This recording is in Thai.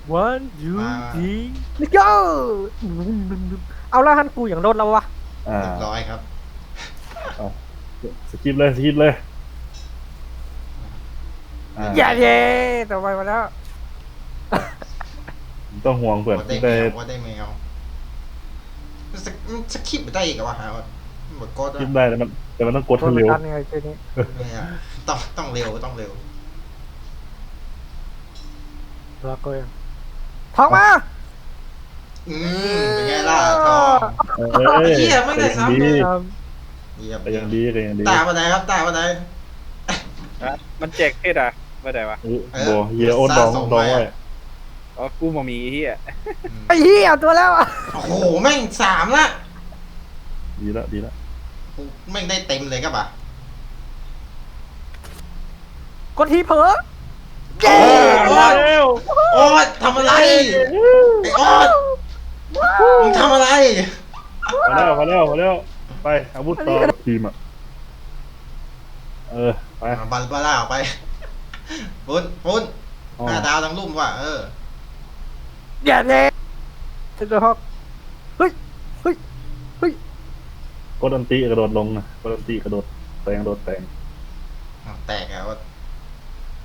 one two three let's go เอาแล้วฮันกูอย่างโดนแล้ววะอ่าเรียบร้อยครับเอาสกิปเลยสกิปเลยอ่าอย่าเย่ต่อไปมาแล้วต้องห่วงเพื่อนว่าได้แมได้วว่าได้แมวสคริปต์ไม่ได้อีกเหรอวะฮะหมดกดคลิปได้แต่มันต้องกดโดให้นเร็วกันไงเจนี้เนี่ยต้องเร็วต้องเร็วแล้วก็ยังทองมาเป็นไงล่ะทองเอ้ยเหี้ยไม่ได้ซ้ำเลย เยี่ยมแต่ยังดีแต่ยังดีตาวันไหนครับตาวันไหนมันแจกเพศอ่ะไม่ได้วะโบเฮียโอ๊ตดองไว้อ๋อกูมามีเฮียไอ้เหี้ยตัวแล้วอ่ะโอ้โหแม่ง3ละดีละดีละแม่งได้เต็มเลยครับอ่ะกดทีเผลอโอ้ยโอ๊ตทำอะไรไอ้โอ๊ตมึงทำอะไรพอแล้วไปอาวุธต่อทีมอ่ะไปบัลบาร่าออกไปปุ้น5 ดาวทั้งรุ่มว่ะอย่าเย่เซนเตอร์ฮอกเฮ้ยเฮ้ยเฮ้ยกดอันตีกระโดดลงนะกดอันตีกระโดดแตงแตกแล้ว